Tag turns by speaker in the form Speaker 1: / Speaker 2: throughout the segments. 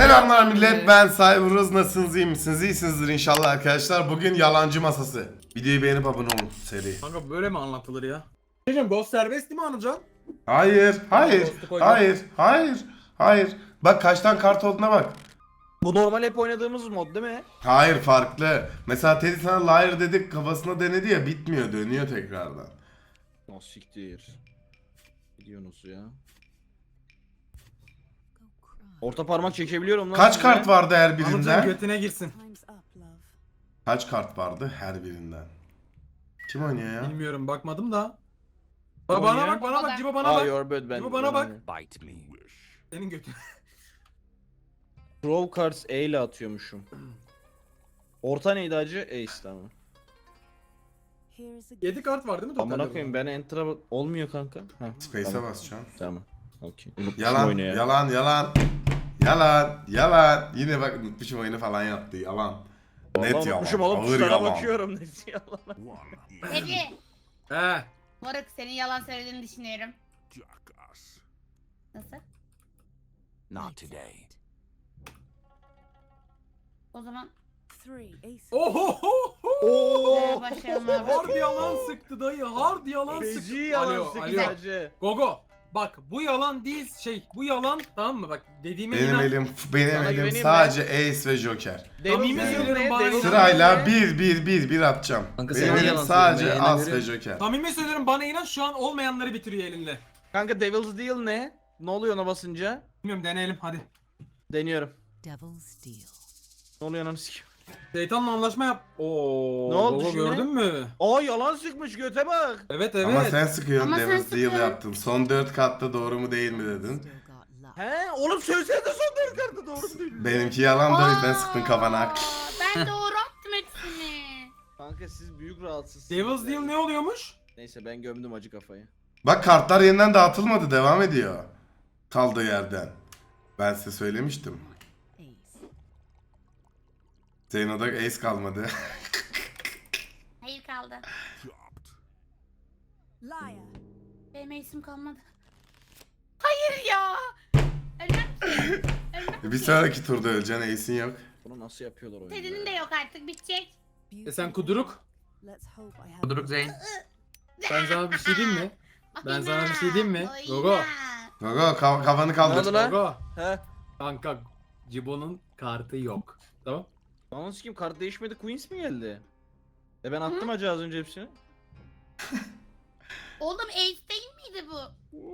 Speaker 1: Selamlar millet, ben Cyberuz. Nasılsınız, iyi misiniz? İyisinizdir inşallah arkadaşlar. Bugün yalancı masası. Videoyu beğenip abone olun seri.
Speaker 2: Kanka böyle mi anlatılır ya? Diyeceğim Ghost serbest değil mi Anılcan?
Speaker 1: Hayır. Bak kaçtan kart olduğuna bak.
Speaker 3: Bu normal hep oynadığımız mod değil mi?
Speaker 1: Hayır, farklı. Mesela Teddy sana liar dedik, kafasına denedi ya, bitmiyor, dönüyor tekrardan.
Speaker 3: O siktir. Gidiyorsunuz ya. Orta parmak çekebiliyorum lan.
Speaker 1: Kaç
Speaker 3: size.
Speaker 1: kart vardı her
Speaker 2: Anılcan
Speaker 1: birinden?
Speaker 2: götüne girsin.
Speaker 1: Kaç kart vardı her birinden? Kim oynuyor ya?
Speaker 2: Bilmiyorum bakmadım da.
Speaker 3: Kim
Speaker 2: Bana
Speaker 3: oynuyor?
Speaker 2: bak bana bak Cibo bana
Speaker 3: Aa
Speaker 2: bak.
Speaker 3: your bad ben.
Speaker 2: Cibo bana bak.
Speaker 4: Bite me.
Speaker 2: Senin götüne.
Speaker 3: Draw cards E ile atıyormuşum. Orta neydi acı? Ace tamam.
Speaker 2: 7 kart var değil mi totalde?
Speaker 3: Amına koyayım ben enter'a olmuyor kanka. Heh,
Speaker 1: Space'e
Speaker 3: tamam.
Speaker 1: basacağım.
Speaker 3: Tamam. Okey. Unutmuşum
Speaker 1: Yalan,
Speaker 3: oyunu ya.
Speaker 1: yalan. Yine bak unutmuşum oyunu falan yaptı, yalan.
Speaker 3: Vallahi
Speaker 1: Net
Speaker 3: unutmuşum
Speaker 1: yalan,
Speaker 3: oğlum
Speaker 1: ağır
Speaker 3: tuşlara
Speaker 1: yalan.
Speaker 3: bakıyorum net yalan.
Speaker 5: Peki,
Speaker 2: He.
Speaker 5: Moruk senin yalan söylediğini düşünüyorum.
Speaker 4: Jackass.
Speaker 5: Nasıl?
Speaker 4: Not today.
Speaker 5: O zaman
Speaker 2: Oho.
Speaker 5: başlayalım abi.
Speaker 2: Hard yalan sıktı dayı. Hard yalan
Speaker 3: Feci
Speaker 2: sıktı.
Speaker 3: yalan
Speaker 2: Alo,
Speaker 3: sıktı
Speaker 2: alo.
Speaker 3: acı.
Speaker 2: Gogo. Bak bu yalan değil bu yalan tamam mı bak dediğime
Speaker 1: Benim
Speaker 2: inan.
Speaker 1: elim
Speaker 3: güveneyim
Speaker 1: sadece Ace ve Joker.
Speaker 3: Devil's
Speaker 2: Yani-
Speaker 3: Deal ne?
Speaker 2: Bana
Speaker 3: Devil's
Speaker 2: inan.
Speaker 1: Sırayla
Speaker 3: Deal ne?
Speaker 1: bir atacağım.
Speaker 6: Kanka
Speaker 1: Benim
Speaker 6: sen de
Speaker 1: elim
Speaker 6: yalan
Speaker 1: sadece
Speaker 6: söylüyorsun,
Speaker 1: As
Speaker 6: yayına
Speaker 1: ve
Speaker 6: göre.
Speaker 1: Joker.
Speaker 2: Samimi söylüyorum bana inan şu an olmayanları bitiriyor elinde.
Speaker 3: Kanka Devil's Deal ne? Ne oluyor ona basınca?
Speaker 2: Bilmiyorum deneyelim hadi.
Speaker 3: Deniyorum.
Speaker 7: Devil's Deal.
Speaker 3: Ne oluyor lan sikim?
Speaker 2: Şeytanla anlaşma yap. Oo.
Speaker 3: Ne oldu
Speaker 2: Gogo
Speaker 3: şimdi?
Speaker 2: gördün mü?
Speaker 3: Aa yalan sıkmış göte bak.
Speaker 2: Evet
Speaker 1: Ama sen sıkıyorsun,
Speaker 5: Ama sen
Speaker 1: Devil's Deal
Speaker 5: sıkıyorsun.
Speaker 1: yaptın. Son 4 katta doğru mu değil mi dedin.
Speaker 7: Still got luck.
Speaker 3: He oğlum söylesene de son dört kartı doğru değil.
Speaker 1: Benimki yalan da o yüzden sıktın kafana.
Speaker 5: Ben doğru attım hepsini.
Speaker 3: Kanka siz büyük rahatsızsınız.
Speaker 2: Devil's Deal ne oluyormuş?
Speaker 3: Neyse ben gömdüm acı kafayı.
Speaker 1: Bak kartlar yeniden dağıtılmadı, devam ediyor. Kaldığı yerden. Ben size söylemiştim.
Speaker 7: Ace.
Speaker 1: Zeyno'da Ace kalmadı.
Speaker 5: Hayır kaldı.
Speaker 7: Liar.
Speaker 5: Benim isim kalmadı. Hayır ya. Ölmem ki.
Speaker 1: Bir sonraki turda öleceksin, Ace'in yok.
Speaker 3: Bunu nasıl yapıyorlar oyunda?
Speaker 5: Teddy'nin de yok artık bitecek.
Speaker 2: Sen kuduruk.
Speaker 7: Let's hope I have
Speaker 6: Kuduruk Zeyn.
Speaker 2: Ben sana bir şey diyeyim mi? Ben sana bir şey diyeyim mi?
Speaker 5: Oyna.
Speaker 2: Gogo.
Speaker 1: Gogo kafanı
Speaker 3: Ne
Speaker 1: kaldır.
Speaker 3: oldu lan?
Speaker 2: Gogo.
Speaker 3: He?
Speaker 2: Kanka Cibo'nun kartı yok. Tamam.
Speaker 3: Lan sikim kart değişmedi Queens mi geldi? Ben attım acı az önce hepsini.
Speaker 5: Oğlum Ace değil miydi bu?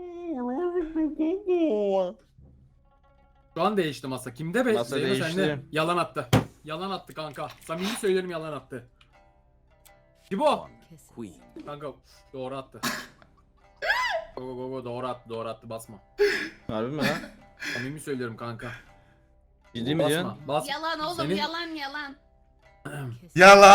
Speaker 2: Şu an değişti masa. Kimde be?
Speaker 3: Masa
Speaker 2: Zeyno
Speaker 3: değişti.
Speaker 2: sende. Yalan attı. Yalan attı kanka. Samimi söylerim yalan attı. Cibo.
Speaker 7: kiss.
Speaker 4: Queen.
Speaker 2: Kanka doğru attı. Gogo doğru attı basma.
Speaker 3: Harbi mi lan?
Speaker 2: Samimi söylüyorum kanka.
Speaker 3: Ciddi mi diyorsun?
Speaker 2: Basma. Bas.
Speaker 5: Yalan oğlum
Speaker 2: Senin-
Speaker 5: yalan.
Speaker 7: Kiss.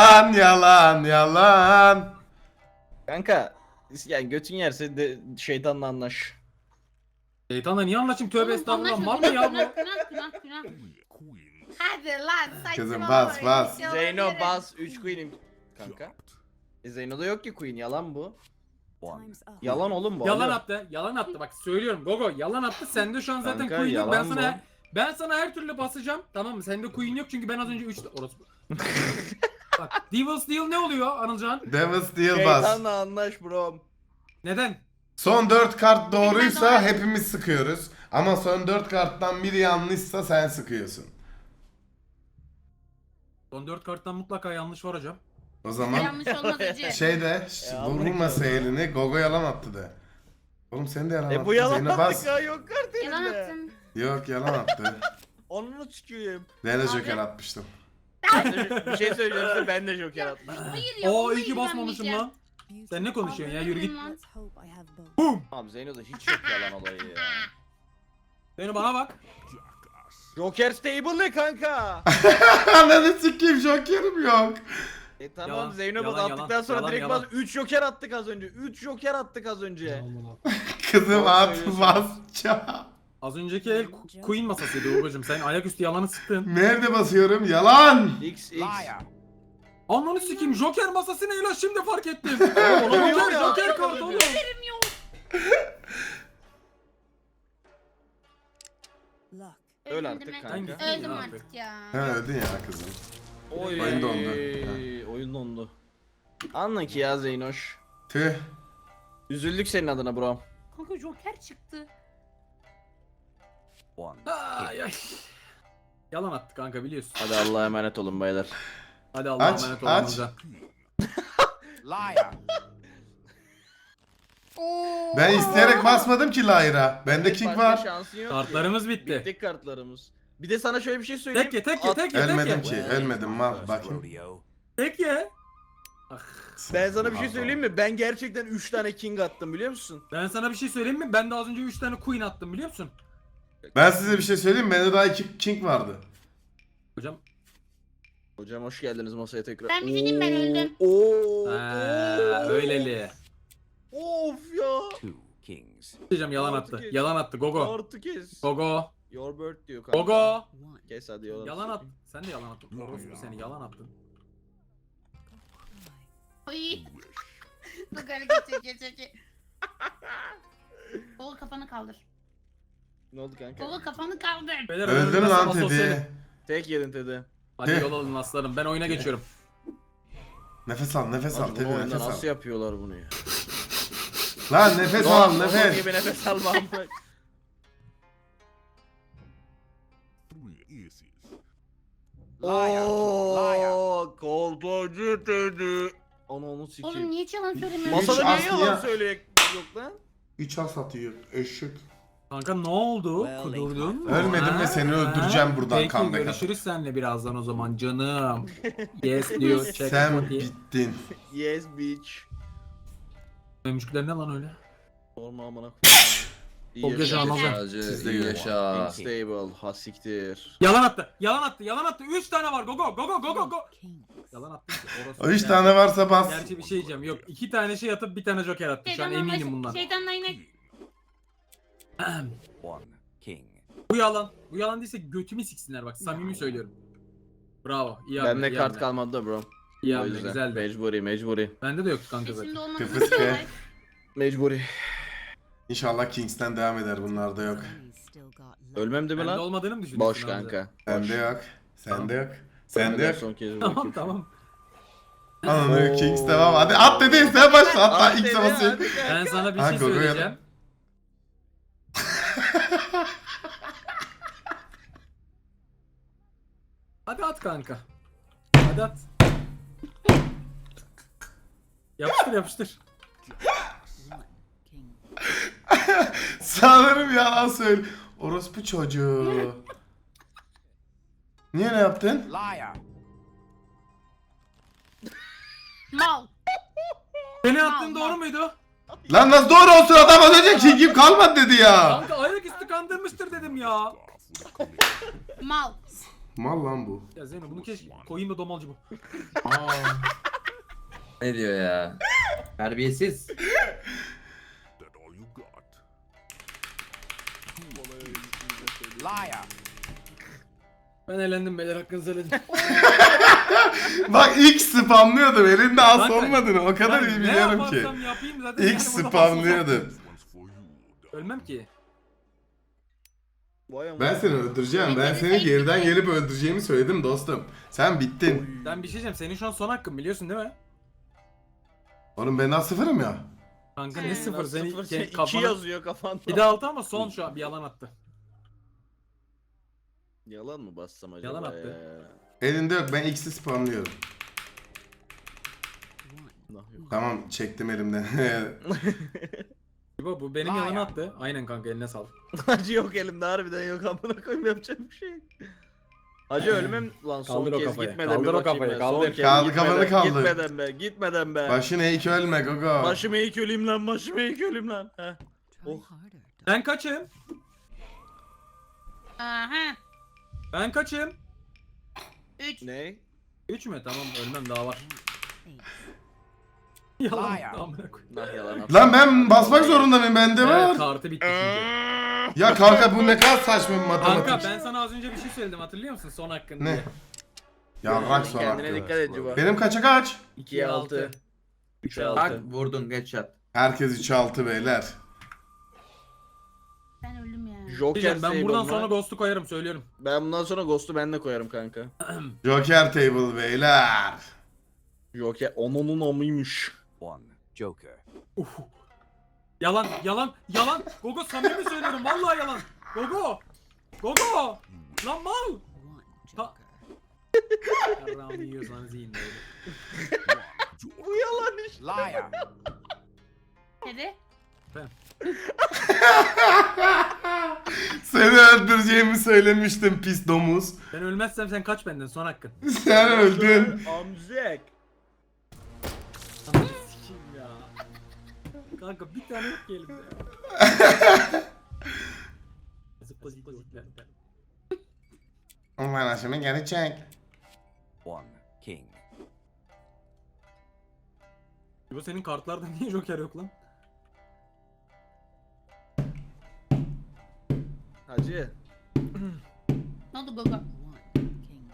Speaker 1: Yalan.
Speaker 3: Kanka yani götün yerse de şeytanla anlaş.
Speaker 2: Şeytanla niye anlaşayım? Tövbe
Speaker 5: Oğlum,
Speaker 2: estağfurullah.
Speaker 5: anlaşma,
Speaker 2: Mal mı ya bu?
Speaker 5: Günah.
Speaker 4: Queen.
Speaker 5: Hadi lan saçmalama.
Speaker 1: Kızım, bas,
Speaker 5: öyle
Speaker 1: bas.
Speaker 5: şey
Speaker 3: Zeyno
Speaker 5: olabilir.
Speaker 3: bas 3 Queen'im. Kanka. Zeyno'da yok ki Queen yalan bu.
Speaker 7: Time's up.
Speaker 3: Yalan oğlum bu.
Speaker 2: Yalan
Speaker 3: alo.
Speaker 2: attı. Yalan attı. Bak söylüyorum Gogo yalan attı. Sende şu an zaten
Speaker 3: Kanka,
Speaker 2: Queen yok. Ben
Speaker 3: yalan
Speaker 2: sana her türlü basacağım. Tamam mı? Sende Queen yok çünkü ben az önce 3 orası. Bak Devil's Deal ne oluyor Anılcan?
Speaker 1: Devil's Deal bas.
Speaker 3: Şeytanla anlaş bro.
Speaker 2: Neden?
Speaker 1: Son 4 kart doğruysa
Speaker 5: doğru.
Speaker 1: hepimiz sıkıyoruz. Ama son 4 karttan biri yanlışsa sen sıkıyorsun.
Speaker 2: Son 4 karttan mutlaka yanlış var hocam.
Speaker 1: O zaman
Speaker 5: Yanlış olmaz acı.
Speaker 1: vurmasa elini, Gogo yalan attı de. Oğlum sen de yalan attın.
Speaker 3: Bu yalan
Speaker 1: Zeynep bas.
Speaker 3: attık ya yok kart
Speaker 5: Yalan
Speaker 3: elimde.
Speaker 5: attın.
Speaker 1: Yok, yalan attı.
Speaker 3: Onu çıkıyorum.
Speaker 1: Ben de
Speaker 5: Abi.
Speaker 1: Joker atmıştım.
Speaker 3: Bir şey söyleyeceğim size ben de Joker atmıştım.
Speaker 5: Hayır ya.
Speaker 2: Oo
Speaker 5: vallahi
Speaker 2: iyi ki basmamışım
Speaker 5: güvenmeyeceğim.
Speaker 2: lan. Sen ne konuşuyorsun ya? Yürü git.
Speaker 7: Let's hope I have both.
Speaker 3: Abi Zeyno'da hiç yok yalan olayı ya.
Speaker 2: Beni bana bak.
Speaker 4: Jackass.
Speaker 3: Joker stable ne kanka?
Speaker 1: Ananı sikeyim, Joker'im yok.
Speaker 3: Tamam
Speaker 2: Yalan,
Speaker 3: Zeyno bas
Speaker 2: yalan,
Speaker 3: attıktan
Speaker 2: yalan,
Speaker 3: sonra
Speaker 2: yalan,
Speaker 3: direkt
Speaker 2: yalan.
Speaker 3: bas 3 Joker attık az önce. 3 Joker attık az önce.
Speaker 1: Kızım
Speaker 3: Doğru
Speaker 1: at
Speaker 3: söylüyorsun.
Speaker 1: basacağım.
Speaker 2: Az önceki el Queen masasıydı babacım. Sen ayaküstü yalanı sıktın.
Speaker 1: Nerede basıyorum? Yalan.
Speaker 3: X.
Speaker 4: Liar.
Speaker 2: Ananı sikeyim Joker masası ne lan şimdi fark ettim.
Speaker 3: Oğlum, yok ya.
Speaker 2: Joker kartı oğlum.
Speaker 5: Haberim yok.
Speaker 7: Luck.
Speaker 3: Öl
Speaker 5: Öldüm
Speaker 3: artık
Speaker 5: ben.
Speaker 3: kanka.
Speaker 2: Hangisi?
Speaker 5: Öldüm
Speaker 2: Ya
Speaker 5: artık ya.
Speaker 1: Ha öldün ya kızım.
Speaker 3: Oy.
Speaker 1: Oyun dondu.
Speaker 3: Oyun dondu. Anla ki ya Zeynoş.
Speaker 1: Tüh.
Speaker 3: Üzüldük senin adına bro.
Speaker 5: Kanka Joker çıktı.
Speaker 4: One
Speaker 2: Ay ay. Yalan attı kanka biliyorsun.
Speaker 3: Hadi Allah'a emanet olun baylar.
Speaker 2: Hadi Allah'a
Speaker 1: Aç,
Speaker 2: emanet olun
Speaker 1: aç.
Speaker 2: Hamza.
Speaker 4: liar.
Speaker 5: Oo.
Speaker 1: Ben isteyerek basmadım ki Lyra. Bende king
Speaker 3: Başka
Speaker 1: var.
Speaker 3: şansın yok ki.
Speaker 2: Kartlarımız bitti.
Speaker 3: Bitti kartlarımız. Bir de sana şöyle bir şey söyleyeyim.
Speaker 2: Tek ye tek ye tek ye tek
Speaker 1: Ölmedim
Speaker 2: ye.
Speaker 1: ki. Ölmedim mal. Bakayım.
Speaker 4: Rodeo.
Speaker 2: Tek ye.
Speaker 3: Ben sana bir şey söyleyeyim mi? Ben gerçekten 3 tane king attım biliyor musun?
Speaker 2: Ben sana bir şey söyleyeyim mi? Ben de az önce 3 tane queen attım biliyor musun?
Speaker 1: Ben size bir şey söyleyeyim mi? Bende daha 2 king vardı.
Speaker 2: Hocam.
Speaker 3: Hocam hoş geldiniz masaya tekrar.
Speaker 5: Ben bir şey diyeyim, ben öldüm.
Speaker 3: Oo.
Speaker 2: Öyleli.
Speaker 3: Of ya.
Speaker 4: Two kings.
Speaker 2: Diyeceğim yalan
Speaker 3: Artık
Speaker 2: attı.
Speaker 3: kes.
Speaker 2: Yalan attı. Gogo.
Speaker 3: Artık kes.
Speaker 2: Gogo.
Speaker 3: Your bird diyor kanka.
Speaker 2: Gogo.
Speaker 7: One.
Speaker 3: Kes hadi yalan.
Speaker 2: Yalan at. Sen de yalan attın. Orospu seni yalan attın.
Speaker 5: Ay. Bak hareket çekiyor. Kol kafanı kaldır.
Speaker 3: Ne oldu kanka?
Speaker 5: Kol kafanı kaldır.
Speaker 2: Beyler,
Speaker 1: Öldün
Speaker 2: ölmezsem
Speaker 1: lan
Speaker 2: asosyalim.
Speaker 1: Teddy.
Speaker 3: Tek yedin Teddy.
Speaker 2: Hadi
Speaker 1: Teh.
Speaker 2: yol alın aslanım. Ben oyuna geçiyorum.
Speaker 1: Nefes al nefes al
Speaker 3: Lan bu
Speaker 1: Teddy
Speaker 3: oyunda
Speaker 1: nefes al.
Speaker 3: nasıl yapıyorlar bunu ya?
Speaker 1: Lan nefes
Speaker 3: Doğan,
Speaker 1: al
Speaker 3: Doğan
Speaker 1: nefes.
Speaker 3: gibi nefes alma amına.
Speaker 4: Three aces. Liar.
Speaker 3: Ooo koltuğcu Teddy. Onu
Speaker 5: Oğlum
Speaker 3: sikeyim.
Speaker 5: niye hiç yalan söylemiyorsun?
Speaker 3: Masada niye
Speaker 1: Aslı
Speaker 3: yalan
Speaker 1: ya.
Speaker 3: söyleyek yok lan?
Speaker 1: 3 as atıyor eşek.
Speaker 2: Kanka ne oldu? Kudurdun mu?
Speaker 1: Ölmedim ve seni öldüreceğim buradan
Speaker 2: Peki,
Speaker 1: comeback
Speaker 2: görüşürüz seninle birazdan o zaman canım. Yes diyor. Check
Speaker 1: Sen
Speaker 2: it.
Speaker 1: bittin.
Speaker 3: Yes bitch.
Speaker 2: Mümkükler ne lan öyle?
Speaker 3: Sorma amına
Speaker 2: Çok yaşa Ramazan.
Speaker 1: Siz de
Speaker 3: iyi
Speaker 1: görün.
Speaker 3: yaşa. Stable. Ha siktir.
Speaker 2: Yalan attı. Yalan attı. Yalan attı. 3 tane var. Go go go go go go go.
Speaker 7: Kings.
Speaker 2: Yalan attı.
Speaker 1: O 3 tane varsa bas.
Speaker 2: Gerçi bir şey diyeceğim. Yok 2 tane şey atıp bir tane joker attı. Şu an eminim bundan.
Speaker 5: Şeytanla yine
Speaker 4: One king.
Speaker 2: Bu yalan. Bu yalan değilse götümü siksinler bak. Samimi söylüyorum. Bravo. İyi hamle.
Speaker 3: Bende
Speaker 2: iyi
Speaker 3: kart
Speaker 2: hamle.
Speaker 3: kalmadı da bro.
Speaker 2: İyi
Speaker 3: O
Speaker 2: hamle.
Speaker 3: yüzden.
Speaker 2: Güzeldi.
Speaker 3: Mecburi.
Speaker 2: Bende de yoktu kanka
Speaker 5: şimdi
Speaker 2: zaten.
Speaker 5: olmaz.
Speaker 1: Kıpıs be.
Speaker 3: Mecburi.
Speaker 1: İnşallah Kings'ten devam eder bunlarda yok.
Speaker 7: Enemies still got left.
Speaker 3: Ölmem değil mi
Speaker 2: Bende
Speaker 3: lan?
Speaker 2: olmadığını mı düşünüyorsun?
Speaker 3: Boş
Speaker 2: Hamza?
Speaker 3: kanka.
Speaker 1: Sende yok. Sende yok. Sende yok.
Speaker 3: Son kez
Speaker 2: Tamam
Speaker 3: bakayım.
Speaker 2: tamam.
Speaker 1: Ananı Kings devam. Hadi at dedi sen başla. Hatta
Speaker 3: Hadi
Speaker 1: ilk
Speaker 3: Teddy,
Speaker 1: savaşı.
Speaker 3: hadi kanka.
Speaker 2: Ben sana bir
Speaker 1: Ha,
Speaker 2: şey
Speaker 1: Gogo'ya-
Speaker 2: söyleyeceğim. Hadi at kanka. Hadi at. Yapıştır yapıştır.
Speaker 7: One. King.
Speaker 1: Sanırım yalan söyle. Orospu çocuğu. Niye ne yaptın?
Speaker 4: Liar.
Speaker 5: Mal.
Speaker 2: Seni attığın
Speaker 5: Allah.
Speaker 2: doğru muydu?
Speaker 1: Lan nasıl doğru olsun adam az önce King'im kalmadı dedi ya.
Speaker 2: Kanka ayaküstü kandırmıştır dedim ya.
Speaker 4: Off with a collision.
Speaker 5: Mal.
Speaker 1: Mal lan bu.
Speaker 2: Ya Zeyno bunu keşke koyayım da domalcı bu.
Speaker 6: Ne diyor ya? Terbiyesiz.
Speaker 4: That all you got. Liar.
Speaker 2: Ben eğlendim beyler hakkınızı helal.
Speaker 1: Bak ilk spamlıyordum elinde as
Speaker 2: Kanka,
Speaker 1: olmadığını o kadar
Speaker 2: Ben
Speaker 1: iyi
Speaker 2: ne
Speaker 1: biliyorum ki.
Speaker 2: yaparsam yapayım zaten.
Speaker 1: İlk
Speaker 2: yani burada
Speaker 1: spamlıyordum.
Speaker 4: This one's for you.
Speaker 2: basılsam Ölmem ki.
Speaker 3: Vay amına.
Speaker 1: Ben seni öldüreceğim. Ben seni geriden gelip öldüreceğimi söyledim dostum. Sen bittin.
Speaker 2: Ben bir şey diyeceğim. Senin şu an son hakkın biliyorsun değil mi?
Speaker 1: Oğlum ben daha sıfırım ya.
Speaker 2: Kanka
Speaker 5: He.
Speaker 2: ne sıfır
Speaker 3: Sıfır,
Speaker 2: senin
Speaker 3: sen iki
Speaker 2: kafana.
Speaker 3: yazıyor kafanda.
Speaker 2: Bir de altı ama son şu an bir yalan attı.
Speaker 3: Yalan mı bassam acaba
Speaker 2: Yalan attı.
Speaker 3: ya?
Speaker 1: Elinde yok ben X'i spamlıyorum.
Speaker 7: One.
Speaker 3: Nah, yok.
Speaker 1: Tamam çektim elimden.
Speaker 2: Bu benim yalan attı. Aynen kanka eline sağlık.
Speaker 3: Acı yok elimde harbiden yok amına koyayım yapacak bir şey yok. Acı ölmem lan son
Speaker 2: Kaldır o
Speaker 3: kez
Speaker 2: kafayı,
Speaker 3: gitmeden
Speaker 2: kaldır
Speaker 3: bir
Speaker 2: o
Speaker 3: bakayım
Speaker 2: kafayı,
Speaker 3: ben.
Speaker 2: kaldır.
Speaker 3: Son kez
Speaker 1: Kaldı,
Speaker 3: gitmeden,
Speaker 1: kafanı kaldır.
Speaker 3: Gitmeden be gitmeden be.
Speaker 1: Başını eğik ölme Gogo.
Speaker 3: Başımı eğik öleyim lan başımı eğik öleyim lan. Heh.
Speaker 7: Try
Speaker 3: Oh.
Speaker 7: harder.
Speaker 2: Ben kaçım?
Speaker 5: Aha.
Speaker 2: Ben kaçım?
Speaker 5: 3.
Speaker 3: Ne?
Speaker 2: 3 mü? Tamam ölmem daha var.
Speaker 7: Ace.
Speaker 2: Yalan.
Speaker 4: Liar.
Speaker 2: Amına koyayım.
Speaker 3: Nah yalan attı.
Speaker 1: Lan ben basmak zorunda mıyım bende
Speaker 2: Evet
Speaker 1: var.
Speaker 2: kartı bitti çünkü.
Speaker 1: Ya kanka bu ne kadar saçma bir matematik.
Speaker 2: Kanka ben sana az önce bir şey söyledim hatırlıyor musun son hakkın
Speaker 1: Ne?
Speaker 2: diye.
Speaker 1: Ya bak son
Speaker 3: Kendine
Speaker 1: hakkı.
Speaker 3: dikkat et Cuba.
Speaker 1: Benim kaça kaç?
Speaker 3: 2'ye 6. 3'e 6.
Speaker 6: Bak vurdun geç yat.
Speaker 1: Herkes 3'e 6 beyler.
Speaker 5: Ben öldüm ya.
Speaker 3: Joker
Speaker 2: Diyeceğim, ben
Speaker 3: Sable
Speaker 2: buradan
Speaker 3: mı?
Speaker 2: sonra Ghost'u koyarım söylüyorum.
Speaker 3: Ben bundan sonra Ghost'u ben de koyarım kanka.
Speaker 1: Joker table beyler.
Speaker 3: Joker onun amıymış.
Speaker 4: One. Joker.
Speaker 2: Yalan yalan yalan. Gogo samimi söylüyorum vallahi yalan. Gogo. Gogo. Lan mal.
Speaker 7: One
Speaker 2: Ha-
Speaker 7: joker.
Speaker 2: Yarrağımı yiyorsanız yiyin böyle.
Speaker 3: Bu yalan iş.
Speaker 4: Liar.
Speaker 5: Dedi.
Speaker 1: Seni öldüreceğimi söylemiştim pis domuz.
Speaker 2: Ben ölmezsem sen kaç benden son hakkın.
Speaker 1: Sen öldün.
Speaker 3: Amzek.
Speaker 2: Ananı sikeyim ya. Kanka bir tane yok ki elimde ya. Zıpla zıpla zıpla.
Speaker 1: Bana şimdi geri çek.
Speaker 4: One. King.
Speaker 2: Bu senin kartlarda niye Joker yok lan?
Speaker 3: Hacı.
Speaker 5: Ne oldu Gogo?
Speaker 7: One king.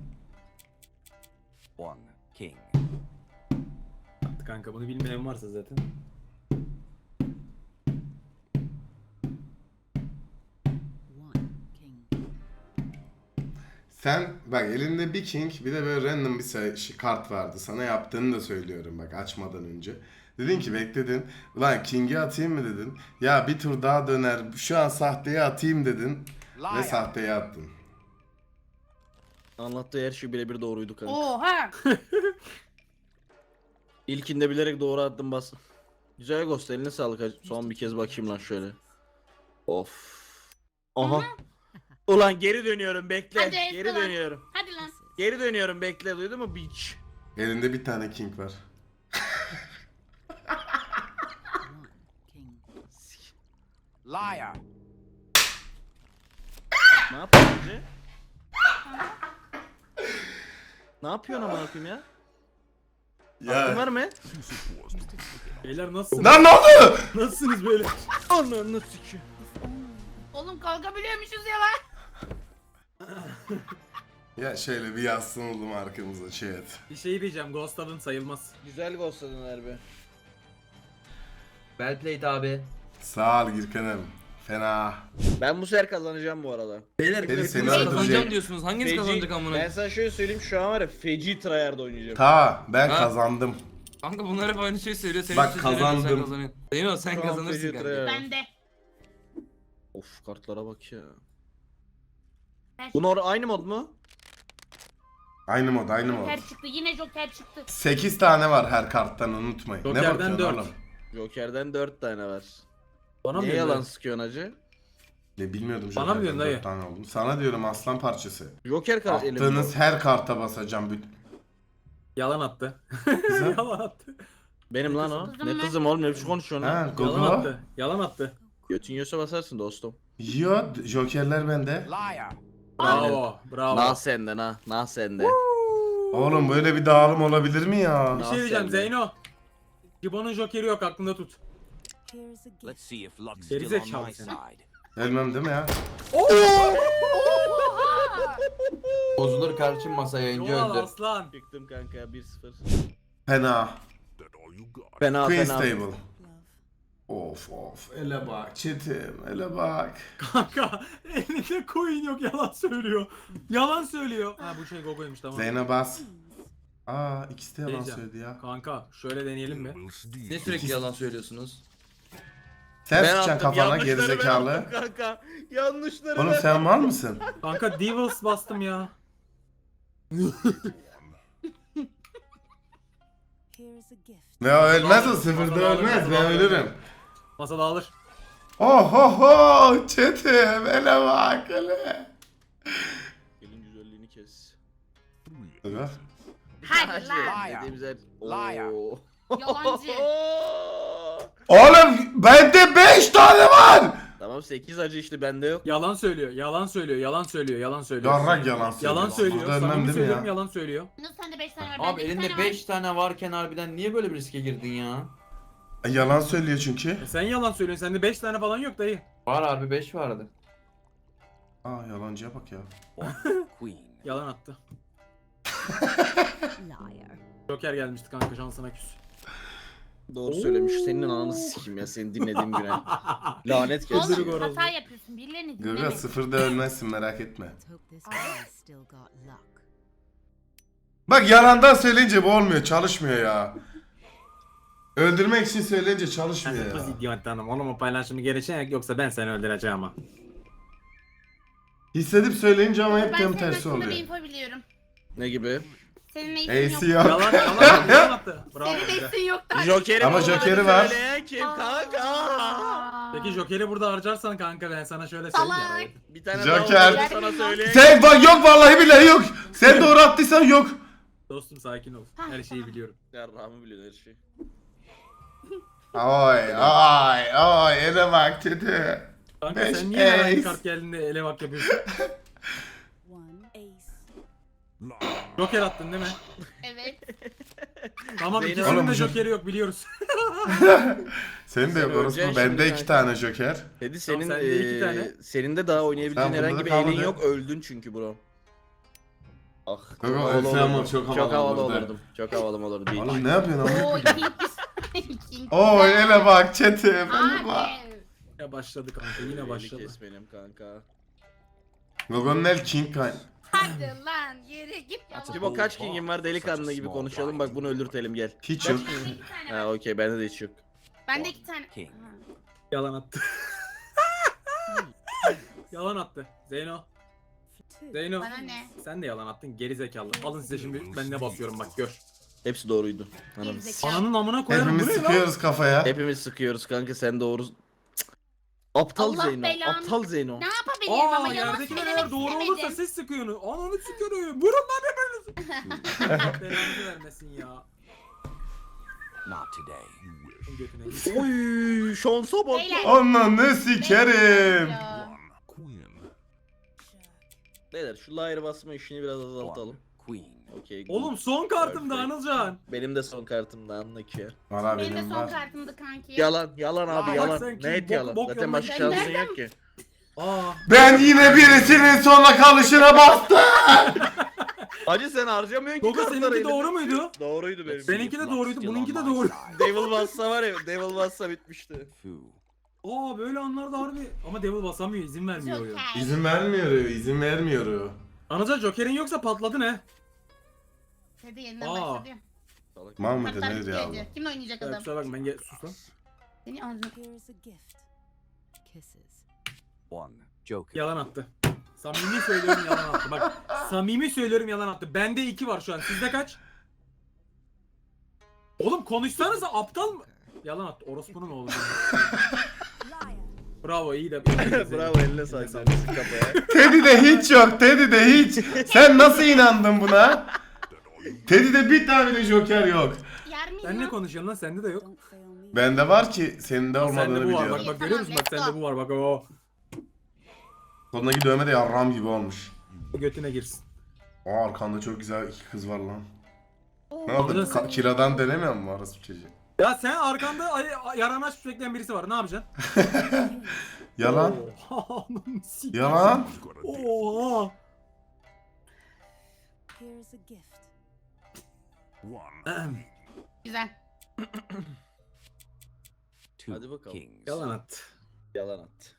Speaker 4: One. King.
Speaker 2: Kanka bunu bilmeyen varsa zaten.
Speaker 7: One king.
Speaker 1: Sen bak elinde bir king bir de böyle random bir kart vardı. Sana yaptığını da söylüyorum bak açmadan önce. Dedin ki bekledin. Ulan king'i atayım mı dedin. Ya bir tur daha döner. Şu an sahteye atayım dedin. Ve
Speaker 4: Liar.
Speaker 1: sahteye attın.
Speaker 3: Anlattığı her şey birebir doğruydu kanka.
Speaker 5: Oha.
Speaker 3: İlkinde bilerek doğru attım bas. Güzel Ghost eline sağlık hacı. Son bir kez bakayım lan şöyle. Of. Aha. Ulan geri dönüyorum bekle.
Speaker 5: Hadi,
Speaker 3: Geri
Speaker 5: Esra.
Speaker 3: dönüyorum.
Speaker 5: Hadi lan.
Speaker 3: Geri dönüyorum bekle duydun mu bitch?
Speaker 1: Elinde bir tane king var.
Speaker 7: One king.
Speaker 4: Liar.
Speaker 3: Ne yapıyorsun hacı? Ne yapıyorsun amına koyayım ya? Aklın var mı?
Speaker 2: Beyler nasılsınız?
Speaker 1: Lan ne oldu?
Speaker 2: Nasılsınız böyle?
Speaker 3: Ananı sikeyim.
Speaker 5: Oğlum kalkabiliyormuşuz ya lan.
Speaker 1: Ya şöyle bir yaslanalım arkamıza şey et.
Speaker 2: Bir şey diyeceğim, Ghost alın sayılmaz.
Speaker 3: Güzel ghostladın harbi.
Speaker 6: Well played abi.
Speaker 1: Sağ ol Gürkan'ım. Fena.
Speaker 3: Ben bu sefer kazanacağım bu arada.
Speaker 6: Beyler
Speaker 1: Beni seni
Speaker 6: kazanacağım
Speaker 1: öldürecek.
Speaker 6: diyorsunuz. Hanginiz kazanacak amına?
Speaker 3: Ben sana şöyle söyleyeyim şu an var ya feci tryhard oynayacağım.
Speaker 1: Ta ben
Speaker 6: Ha?
Speaker 1: kazandım.
Speaker 6: Kanka bunlar hep aynı şeyi söylüyor. Senin
Speaker 1: Bak,
Speaker 6: için söylüyorum,
Speaker 1: kazandım.
Speaker 6: Sen kazanıyorsun. Değil mi? Sen
Speaker 3: Şu an
Speaker 6: kazanırsın
Speaker 3: feci
Speaker 6: kanka.
Speaker 3: tryhard.
Speaker 5: Ben de.
Speaker 3: Of kartlara bak ya.
Speaker 5: Ben
Speaker 3: Bunlar aynı mod mu?
Speaker 1: Aynı mod aynı mod.
Speaker 5: Joker çıktı. Yine Joker çıktı.
Speaker 1: 8 tane var her karttan unutmayın. Ne
Speaker 2: Joker'den
Speaker 1: bakıyorsun
Speaker 2: 4.
Speaker 1: oğlum?
Speaker 3: Joker'den 4 tane var.
Speaker 2: Bana mı
Speaker 3: Niye
Speaker 2: diyorsun
Speaker 3: yalan
Speaker 2: dayı?
Speaker 3: sıkıyorsun hacı?
Speaker 1: Ya bilmiyordum
Speaker 2: Bana mı
Speaker 1: Joker'den
Speaker 2: diyorsun dayı?
Speaker 1: 4 tane olduğunu. Sana diyorum aslan parçası.
Speaker 3: Joker kart elimde.
Speaker 1: Attığınız her karta basacağım.
Speaker 2: Yalan attı.
Speaker 1: Güzel.
Speaker 2: Yalan attı.
Speaker 3: Benim lan o.
Speaker 5: Kızım
Speaker 3: Ne
Speaker 5: ben-
Speaker 3: kızım oğlum ne biçim konuşuyorsun
Speaker 1: Ha,
Speaker 3: lan?
Speaker 2: Yalan
Speaker 1: Gogo.
Speaker 2: attı. Yalan attı.
Speaker 3: Götün yiyorsa basarsın dostum.
Speaker 1: Yo, Joker'ler bende.
Speaker 4: Liar.
Speaker 2: Bravo. Bravo.
Speaker 3: Nah sende nah. Nah sende.
Speaker 1: Oğlum böyle bir dağılım olabilir mi ya?
Speaker 2: Bir şey diyeceğim
Speaker 3: Nasıl yani?
Speaker 2: Zeyno. Gibbon'un Joker'i yok, aklında tut.
Speaker 7: Here's a gift.
Speaker 4: Let's see if luck's still on
Speaker 2: Gerizekalı
Speaker 4: my
Speaker 2: sen.
Speaker 4: side.
Speaker 1: Ölmem değil mi ya?
Speaker 6: Bozulur kardeşim masa yayıncı
Speaker 2: Yola
Speaker 6: öldü.
Speaker 2: aslan.
Speaker 3: Çıktım kanka 1-0.
Speaker 1: Fena.
Speaker 4: That all you got.
Speaker 3: Fena
Speaker 1: Queen's
Speaker 3: fena.
Speaker 1: Table.
Speaker 7: Love.
Speaker 1: Of of. Ele bak çetim. Ele bak.
Speaker 2: Kanka elinde coin yok, yalan söylüyor. Yalan söylüyor. Ha bu şey Gogo'ymuş tamam.
Speaker 1: Zeyne bas. Aa ikisi de yalan
Speaker 2: Diyeceğim.
Speaker 1: söyledi ya.
Speaker 2: Kanka şöyle deneyelim mi?
Speaker 4: Will steal.
Speaker 6: Ne sürekli yalan söylüyorsunuz?
Speaker 1: Sen
Speaker 3: Ben
Speaker 1: sıçacaksın
Speaker 3: attım,
Speaker 1: kafana
Speaker 3: yanlışları ben
Speaker 1: gerizekalı.
Speaker 3: attım kanka. Yanlışları
Speaker 1: Oğlum
Speaker 3: ben-
Speaker 1: sen mal mısın?
Speaker 2: Kanka Devils bastım ya.
Speaker 7: Here's a gift.
Speaker 1: Ya ölmez o sıfırda ölmez ben ölürüm.
Speaker 2: Masa dağılır.
Speaker 1: Oh oh oh çetim ele bak ele.
Speaker 3: Elin güzelliğini kes.
Speaker 1: Evet.
Speaker 5: Hadi lan.
Speaker 4: Liar.
Speaker 3: Dediğimiz her...
Speaker 4: Liar.
Speaker 3: Oo.
Speaker 5: Yalancı.
Speaker 1: Oğlum bende 5 tane var.
Speaker 3: Tamam 8 acı işte bende yok.
Speaker 2: Yalan söylüyor. Yalan söylüyor. Yalan söylüyor. Yalan söylüyor.
Speaker 1: Yarrak yalan söylüyor.
Speaker 2: Yalan söylüyor.
Speaker 1: Burada ölmem
Speaker 2: Samimi
Speaker 1: değil mi
Speaker 2: söylüyorum,
Speaker 1: ya?
Speaker 2: yalan söylüyor.
Speaker 5: Nasıl sende 5 tane var?
Speaker 6: Abi
Speaker 5: Bende iki
Speaker 6: elinde
Speaker 5: tane var.
Speaker 6: 5 tane varken harbiden niye böyle bir riske girdin ya?
Speaker 1: Yalan söylüyor çünkü.
Speaker 2: Sen yalan söylüyorsun. Sende 5 tane falan yok dayı.
Speaker 6: Var abi 5 vardı.
Speaker 1: Aa yalancıya bak ya.
Speaker 4: One. Queen.
Speaker 2: Yalan attı.
Speaker 7: Liar.
Speaker 2: Joker gelmişti kanka, şansına küs.
Speaker 3: Doğru söylemiş. Senin ananı sikeyim ya seni dinlediğim güne. Lanet gelsin.
Speaker 2: Öldürük
Speaker 5: Oğlum
Speaker 2: orası.
Speaker 5: hata yapıyorsun. Birilerini
Speaker 1: Gaga
Speaker 5: dinleme.
Speaker 1: sıfırda ölmezsin merak etme.
Speaker 7: Let's hope this guy's still got luck.
Speaker 1: Bak yalandan söyleyince bu olmuyor, çalışmıyor ya. Öldürmek için söyleyince çalışmıyor ya.
Speaker 2: Kız idiot hanım. Oğlum o paylaşımı gerekecek yoksa ben seni öldüreceğim ha.
Speaker 1: Hissedip söyleyince ama hep
Speaker 5: Ben
Speaker 1: tam
Speaker 5: senin
Speaker 1: tersi
Speaker 5: hakkında bir
Speaker 1: oluyor.
Speaker 5: info biliyorum.
Speaker 3: Ne gibi?
Speaker 5: Senin
Speaker 1: AC
Speaker 5: ace'in yok.
Speaker 1: yok.
Speaker 2: Yalan attı. Bravo.
Speaker 5: Senin
Speaker 2: Güzel.
Speaker 5: ace'in yok da.
Speaker 3: Joker'i
Speaker 1: Ama
Speaker 3: bulamadı
Speaker 1: Joker'i var.
Speaker 3: söyleyen kim kanka?
Speaker 2: Peki Joker'i burada harcarsan kanka ben sana şöyle söyleyeyim
Speaker 5: Salak.
Speaker 2: ya.
Speaker 3: Bir tane
Speaker 1: Joker.
Speaker 3: daha sana söyleyen.
Speaker 1: Sen bak yok vallahi billahi yok. Sen doğru attıysan yok.
Speaker 2: Dostum sakin ol. Her şeyi biliyorum.
Speaker 3: Ya Rahmi biliyor her şeyi.
Speaker 1: Ay ay ay ele bak kötü.
Speaker 2: Kanka
Speaker 1: Beş
Speaker 2: sen niye her
Speaker 1: ace.
Speaker 2: aynı kart geldiğinde ele bak yapıyorsun?
Speaker 7: One ace.
Speaker 2: Joker attın değil mi?
Speaker 5: Evet.
Speaker 2: Tamam
Speaker 3: Zeynep-
Speaker 2: ikisinin
Speaker 1: Oğlum,
Speaker 2: de
Speaker 1: Jo-
Speaker 2: Joker'i yok biliyoruz.
Speaker 1: Senin de yok
Speaker 3: Sen
Speaker 1: orospu.
Speaker 3: öleceksin
Speaker 1: Bende
Speaker 3: şimdi
Speaker 1: iki
Speaker 3: kanka.
Speaker 1: tane joker.
Speaker 3: Dedi senin
Speaker 2: sende iki tane.
Speaker 3: senin de daha oynayabileceğin
Speaker 1: Tamam,
Speaker 3: herhangi
Speaker 1: bunda
Speaker 3: bir
Speaker 1: da
Speaker 3: elin
Speaker 1: kalmadı.
Speaker 3: yok. Öldün çünkü bro. Ah.
Speaker 1: Kanka,
Speaker 3: havalı
Speaker 1: ölsem ama
Speaker 3: olurdum.
Speaker 1: çok havalı
Speaker 3: Çok havalı
Speaker 1: olurdu.
Speaker 3: olurdum. Çok havalı olurdu. Değil.
Speaker 1: Oğlum ne yapıyorsun ama?
Speaker 5: Oo ikinci. İkinci.
Speaker 1: Oo ele bak çete. Ele bak.
Speaker 5: Abi.
Speaker 2: Ya başladı kanka yine
Speaker 3: Eli
Speaker 2: başladı.
Speaker 3: kes benim kanka.
Speaker 1: Gogon'un el king kan.
Speaker 5: Hadi lan yere git ya.
Speaker 3: Cibo kaç kingin var delikanlı gibi konuşalım bak bunu öldürtelim gel.
Speaker 1: Hiç yok.
Speaker 5: Bende iki tane
Speaker 3: Ha
Speaker 5: var.
Speaker 3: okey bende de hiç yok.
Speaker 5: Bende iki tane.
Speaker 4: King.
Speaker 5: Ha.
Speaker 2: Yalan attı. Yalan attı. Zeyno.
Speaker 7: For two.
Speaker 2: Zeyno.
Speaker 5: Bana ne?
Speaker 2: Sen de yalan attın geri zekalı. Alın size şimdi ben ne basıyorum bak gör.
Speaker 3: Hepsi doğruydu. Anam.
Speaker 5: Gerizekalı.
Speaker 2: Ananın amına koyarım bu
Speaker 1: Hepimiz
Speaker 2: ne lan?
Speaker 1: sıkıyoruz kafaya.
Speaker 3: Hepimiz sıkıyoruz kanka sen doğru. Cık. Aptal
Speaker 5: Allah
Speaker 3: Zeyno.
Speaker 5: belanı-
Speaker 3: Aptal Zeyno.
Speaker 5: Ne yapabilirim
Speaker 2: Aa
Speaker 5: ama yalan
Speaker 2: yerdekiler
Speaker 5: söylemek
Speaker 2: eğer doğru olursa
Speaker 5: istemedim.
Speaker 2: siz sıkıyorsunuz. Ananı sıkıyorum. Vurun lan hepiniz. Allah belanızı vermesin ya.
Speaker 4: Not today.
Speaker 2: Götüne git.
Speaker 3: Oy şansa bak.
Speaker 5: Beyler.
Speaker 1: Onunla sikerim.
Speaker 5: Ya.
Speaker 4: Queen.
Speaker 3: Beyler şu liar basma işini biraz azaltalım.
Speaker 4: One. Queen.
Speaker 3: Okey.
Speaker 2: Oğlum son kartımda Anılcan.
Speaker 3: Benim de son kartımda anlık ya.
Speaker 1: Valla
Speaker 5: Benim de
Speaker 1: benim
Speaker 5: son
Speaker 1: var.
Speaker 5: kartımdı kanki.
Speaker 3: Yalan, yalan abi
Speaker 2: Aa, bak
Speaker 3: yalan.
Speaker 2: sen kim?
Speaker 3: Net
Speaker 2: Bok-
Speaker 3: yalan.
Speaker 2: bok
Speaker 3: Zaten
Speaker 2: yoluna
Speaker 3: başka
Speaker 5: sen
Speaker 3: şansın
Speaker 5: nereden-
Speaker 3: yok ki.
Speaker 2: Aa.
Speaker 1: Ben yine birisinin sonuna kalışına bastım.
Speaker 3: Hacı sen harcamıyorsun ki
Speaker 2: Gogo
Speaker 3: kartları.
Speaker 2: seninki
Speaker 3: elinde.
Speaker 2: doğru muydu?
Speaker 3: Doğruydu benim.
Speaker 2: Benimki de doğruydu. Bununki de doğru.
Speaker 3: Devil bassa var ya, Devil bassa bitmişti.
Speaker 4: Fu.
Speaker 2: Aa böyle anlarda harbi. Ama Devil basamıyor izin vermiyor oyun.
Speaker 5: Joker.
Speaker 1: İzin vermiyor, izin vermiyor.
Speaker 2: Anılcan Joker'in yoksa patladı ne?
Speaker 5: Hadi yeniden
Speaker 2: Aa.
Speaker 5: başladı.
Speaker 1: Mal mıdır
Speaker 5: Kartlar
Speaker 1: nedir ya?
Speaker 5: bitti. Kim oynayacak
Speaker 2: Ya
Speaker 5: adam?
Speaker 2: kusura bakma ben sus lan.
Speaker 5: Seni ağzına.
Speaker 7: Here is a gift. Kisses.
Speaker 4: One. Joker.
Speaker 2: Yalan attı. Samimi söylüyorum yalan attı. Bak samimi söylüyorum yalan attı. Bende 2 var şu an. Sizde kaç? Oğlum konuşsanıza aptal mı? Yalan attı. Orospunun oğlu.
Speaker 7: Liar.
Speaker 2: Bravo iyi de.
Speaker 3: Bravo eline sağlık. Sık kafaya.
Speaker 1: Teddy'de hiç yok, Teddy'de hiç. Sen nasıl inandın buna? Teddy'de bir tane de joker yok.
Speaker 5: Yer miyim
Speaker 2: Sen ne
Speaker 5: lan?
Speaker 2: konuşuyorsun lan? Sende de yok.
Speaker 7: Don't fail me.
Speaker 1: Bende var ki senin de
Speaker 2: Sende
Speaker 1: olmadığını
Speaker 2: bu var. Bak
Speaker 1: biliyorum.
Speaker 2: bak görüyor musun? Bak
Speaker 5: Tamam,
Speaker 2: sende bu var. Bak o.
Speaker 1: Kolundaki dövme de yarram gibi olmuş.
Speaker 2: Götüne girsin.
Speaker 1: Aa arkanda çok güzel iki kız var lan.
Speaker 5: Oo.
Speaker 1: Ne yaptın?
Speaker 2: Nasıl?
Speaker 1: Kiradan denemiyor mu orası bu çocuğu?
Speaker 2: Ya sen arkanda yaranaç bekleyen birisi var. Ne yapacaksın?
Speaker 1: Yalan.
Speaker 2: Oha, ananı sikeyim.
Speaker 1: Yalan.
Speaker 2: Oha.
Speaker 7: Here is a gift.
Speaker 4: One.
Speaker 5: Güzel.
Speaker 4: Two.
Speaker 3: Hadi bakalım.
Speaker 4: Kings.
Speaker 2: Yalan attı.
Speaker 3: Yalan at.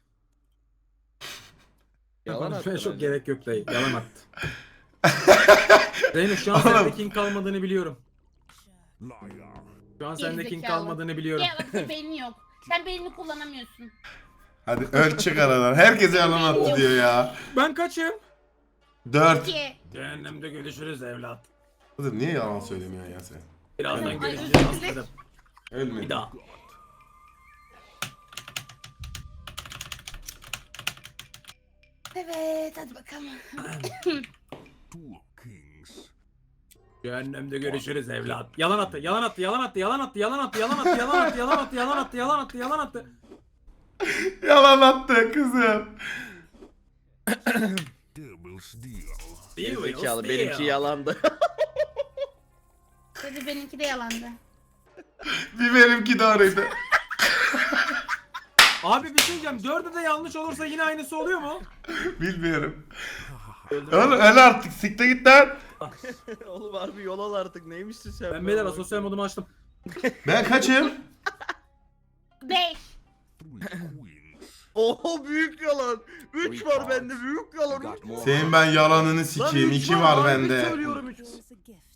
Speaker 2: Yalan
Speaker 3: Yalan
Speaker 2: konuşmaya
Speaker 3: at.
Speaker 2: çok gerek yok dayı. Yalan attı. Zeynep şu an
Speaker 1: Oğlum.
Speaker 2: sende king kalmadığını biliyorum. Şu an sende king
Speaker 5: Gerizekalı.
Speaker 2: kalmadığını biliyorum.
Speaker 5: Ya bak beynin yok. Sen beynini kullanamıyorsun.
Speaker 1: Hadi öl çık aradan. Herkese yalan attı diyor ya.
Speaker 2: Ben kaçım?
Speaker 1: 4.
Speaker 5: Ki.
Speaker 2: Cehennemde görüşürüz evlat.
Speaker 1: Kızım niye yalan söylemiyorsun ya sen?
Speaker 2: Birazdan
Speaker 5: Ay,
Speaker 2: görüşeceğiz
Speaker 5: özür dilerim.
Speaker 2: aslanım.
Speaker 1: Ölme.
Speaker 2: Bir daha.
Speaker 5: Evet hadi bakalım.
Speaker 2: Cehennemde görüşürüz evlat. Yalan attı, yalan attı, yalan attı, yalan attı, yalan attı, yalan attı, yalan attı, yalan attı, yalan attı, yalan attı, yalan attı.
Speaker 1: Yalan attı kızım.
Speaker 3: Zekalı benimki yalandı.
Speaker 5: Hadi benimki de yalandı.
Speaker 1: Bir benimki doğruydu.
Speaker 2: Abi bir şey diyeceğim. 4'ü de yanlış olursa yine aynısı oluyor mu?
Speaker 1: Bilmiyorum. Oğlum öl artık sikte git lan.
Speaker 3: Oğlum harbi yol al artık neymişsin sen?
Speaker 2: Ben beyler asosyal modumu açtım.
Speaker 1: Ben kaçım?
Speaker 5: 5.
Speaker 3: Oho büyük yalan. 3 var bende büyük yalan.
Speaker 4: You got more.
Speaker 1: Senin ben yalanını sikeyim. 2 var bende.
Speaker 3: Söylüyorum 3.
Speaker 7: Here is a gift.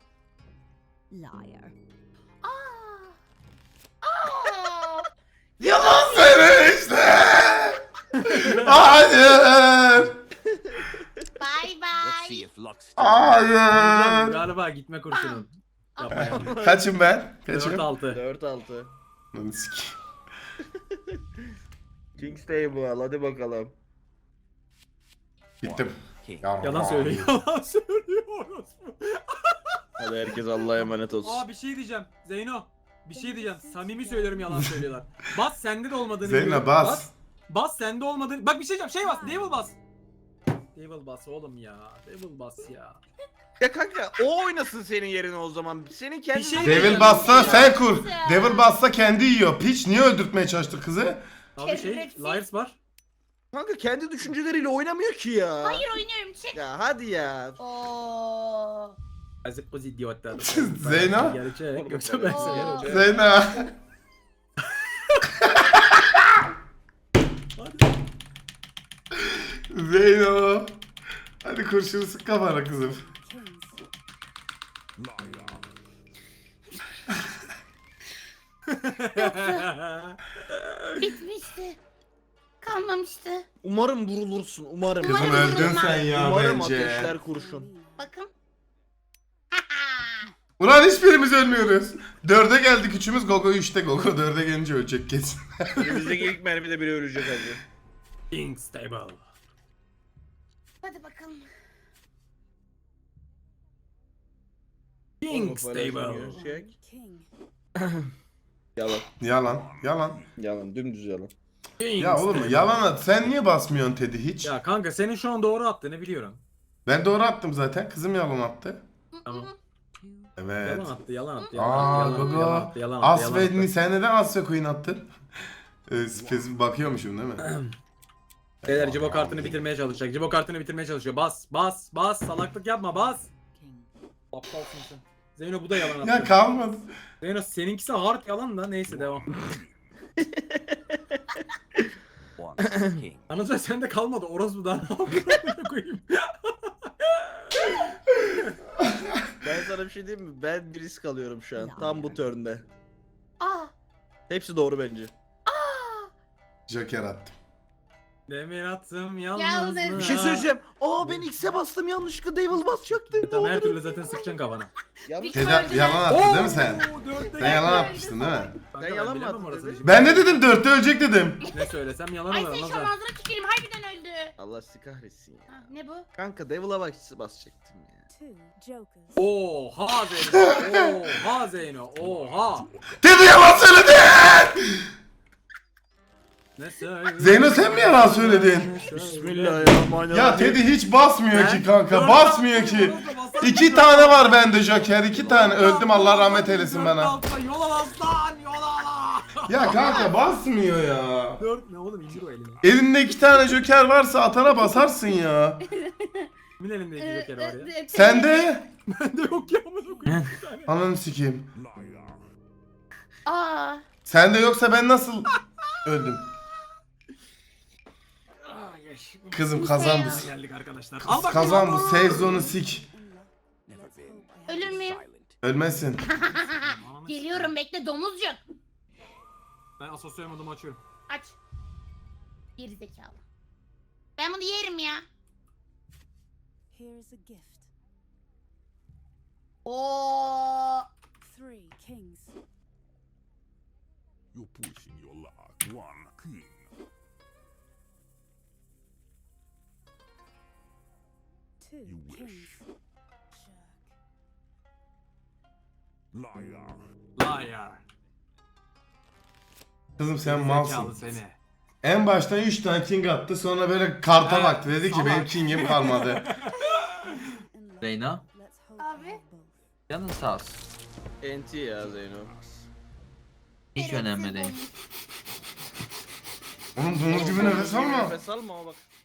Speaker 7: Liar.
Speaker 1: Yalan söyle işte. Hayır.
Speaker 5: Bay
Speaker 4: Let's
Speaker 5: bay.
Speaker 4: see if luck's still.
Speaker 1: Hayır.
Speaker 2: Galiba gitme kurşunun. Yapma yapma.
Speaker 1: Kaçım ben? Kaçım?
Speaker 2: 4-6.
Speaker 3: 4-6.
Speaker 1: Lan sikeyim.
Speaker 3: King's Table hadi bakalım.
Speaker 1: Bittim.
Speaker 4: King.
Speaker 2: Yalan söylüyor. Yalan söylüyor orospu.
Speaker 3: Hadi herkes Allah'a emanet olsun.
Speaker 2: Aa bir şey diyeceğim. Zeyno. Bir şey diyeceğim. Samimi söylüyorum yalan söylüyorlar. Bas sende de olmadığını
Speaker 1: Zeyno
Speaker 2: biliyorum.
Speaker 1: bas.
Speaker 2: Bas sende olmadığını. Bak bir şey diyeceğim. Şey bas. Devil bas. Devil bas oğlum ya. Devil bas ya.
Speaker 3: Ya kanka o oynasın senin yerine o zaman. Senin kendi...
Speaker 2: Bir şey
Speaker 1: Devil bassa sen kur. Devil bassa kendi yiyor. Piç niye öldürtmeye çalıştı kızı?
Speaker 2: Abi şey.
Speaker 5: Şerefsiz.
Speaker 2: Liars var.
Speaker 3: Kanka kendi düşünceleriyle oynamıyor ki ya.
Speaker 5: Hayır oynuyorum çık.
Speaker 3: Ya hadi ya.
Speaker 5: Oo.
Speaker 2: Azıcık o idiotlar.
Speaker 1: Zeyno?
Speaker 2: Gerçek. Yoksa ben
Speaker 5: Oo.
Speaker 2: severim.
Speaker 1: Zeyno. Zeyno. Hadi kurşunu sık kafana kızım.
Speaker 7: Kings.
Speaker 5: Bitmişti. Kalmamıştı.
Speaker 3: Umarım vurulursun umarım.
Speaker 1: Kızım
Speaker 5: Umarım
Speaker 1: öldün sen ya
Speaker 3: Umarım
Speaker 1: bence.
Speaker 3: ateşler kurşun.
Speaker 5: Bakın.
Speaker 1: Ulan hiçbirimiz ölmüyoruz. 4'e geldik üçümüz. Gogo 3'te. Gogo 4'e gelince ölecek kesin.
Speaker 3: Elimizdeki ilk mermide biri ölecek hadi.
Speaker 2: King Stable.
Speaker 5: Hadi bakalım.
Speaker 2: King Stable.
Speaker 3: Gerçek.
Speaker 7: King.
Speaker 3: Yalan.
Speaker 1: Yalan. Yalan.
Speaker 3: Yalan dümdüz yalan.
Speaker 2: King
Speaker 1: Ya oğlum
Speaker 2: Stable.
Speaker 1: yalan at. Sen niye basmıyorsun Teddy hiç?
Speaker 2: Ya kanka senin şu an doğru attığını biliyorum.
Speaker 1: Ben doğru attım zaten. Kızım yalan attı.
Speaker 2: Tamam.
Speaker 1: Evet.
Speaker 2: Yalan attı, yalan attı,
Speaker 1: Aa
Speaker 2: yalan attı,
Speaker 1: Gogo.
Speaker 2: yalan attı, yalan attı, yalan
Speaker 1: Asvedni
Speaker 2: attı.
Speaker 1: sen neden Asya Queen attın? Spesifik bakıyormuşum değil mi?
Speaker 2: Beyler Cibo kartını bitirmeye çalışacak. Cibo kartını bitirmeye çalışıyor. Bas, bas, bas. Salaklık yapma, bas.
Speaker 7: King.
Speaker 2: Aptalsın sen. Zeyno bu da yalan attı.
Speaker 1: Ya kalmadı.
Speaker 2: Zeyno seninkisi hard yalan da neyse devam.
Speaker 4: One. King.
Speaker 2: Anlatıyor sende kalmadı. Orası da ne koyayım.
Speaker 3: Ben sana bir şey diyeyim mi? Ben bir risk alıyorum şu an. Tam bu turn'de.
Speaker 5: Aa.
Speaker 3: Hepsi doğru bence.
Speaker 1: Joker attım.
Speaker 2: Demir attım
Speaker 5: Yalnız-
Speaker 2: yalnız.
Speaker 3: Bir şey söyleyeceğim. Aa ben X'e bastım yanlışlıkla Devil basacaktım.
Speaker 2: Tamam her türlü zaten sıkacaksın kafana.
Speaker 3: Yanlış.
Speaker 1: Teddy yalan attın değil mi sen? Sen yalan atmıştın değil mi?
Speaker 2: Kanka,
Speaker 3: Ben yalan mı
Speaker 2: bilemem
Speaker 3: attım
Speaker 2: orasını
Speaker 3: dedi?
Speaker 2: şimdi.
Speaker 1: Ben ne dedim? 4'te ölecek dedim.
Speaker 2: Ne söylesem yalan
Speaker 5: Ay
Speaker 2: olur
Speaker 5: sen
Speaker 2: anlamaz
Speaker 5: şu
Speaker 2: ha.
Speaker 5: ağzına tüküreyim harbiden öldü.
Speaker 3: Allah sizi kahretsin ya.
Speaker 5: Ha, ne bu?
Speaker 3: Kanka Devil'a basacaktım ya.
Speaker 7: 2 jokers.
Speaker 2: Oha Zeyno. Oha Zeyno. Oha.
Speaker 1: Teddy yalan söyledi.
Speaker 2: Ne söyle?
Speaker 1: Zeyno sen mi yalan söyledin?
Speaker 3: Bismillahirrahmanirrahim.
Speaker 1: Ya Teddy hiç basmıyor ki kanka.
Speaker 2: Ben-
Speaker 1: Basmıyor ki. 2 tane var bende Joker. 2 tane. Öldüm Allah rahmet eylesin bana.
Speaker 2: Yol al aslan. Yol al.
Speaker 1: Ya kanka basmıyor ya.
Speaker 2: 4 ne oğlum indir o elini.
Speaker 1: Elinde 2 tane Joker varsa atana basarsın ya.
Speaker 2: Kimin elinde iki joker var ya?
Speaker 1: Sende.
Speaker 2: Bende yok ya amına koyayım bir tane.
Speaker 1: Ananı sikeyim.
Speaker 5: Aa.
Speaker 1: Sende yoksa ben nasıl öldüm? Kızım kazan bu.
Speaker 2: Geldik arkadaşlar.
Speaker 1: Kız kazan bu save zone'u sik.
Speaker 4: Never been.
Speaker 5: Ölür müyüm?
Speaker 4: Silent.
Speaker 1: Ölmezsin.
Speaker 5: Geliyorum bekle domuzcuk.
Speaker 2: Ben asosyal modumu açıyorum.
Speaker 5: Aç. Geri zekalı. Ben bunu yerim ya.
Speaker 7: Here is a gift.
Speaker 5: Oo.
Speaker 7: 3 kings.
Speaker 8: You're pushing your luck. One king.
Speaker 7: Two
Speaker 8: You wish.
Speaker 7: kings. Jerk.
Speaker 8: Liar.
Speaker 2: Liar.
Speaker 1: Kızım sen
Speaker 2: Zekalı
Speaker 1: malsın.
Speaker 2: seni.
Speaker 1: En baştan 3 tane king attı sonra böyle karta
Speaker 2: Evet,
Speaker 1: baktı dedi ki
Speaker 2: salak.
Speaker 1: benim kingim kalmadı.
Speaker 7: In love.
Speaker 6: Zeyno.
Speaker 7: Let's hope
Speaker 5: Abi.
Speaker 7: I have both.
Speaker 6: Canın sağ olsun.
Speaker 3: NT ya Zeyno.
Speaker 6: Hiç önemli değil.
Speaker 1: Oğlum domuz gibi nefes alma.
Speaker 3: Nefes alma ama bak.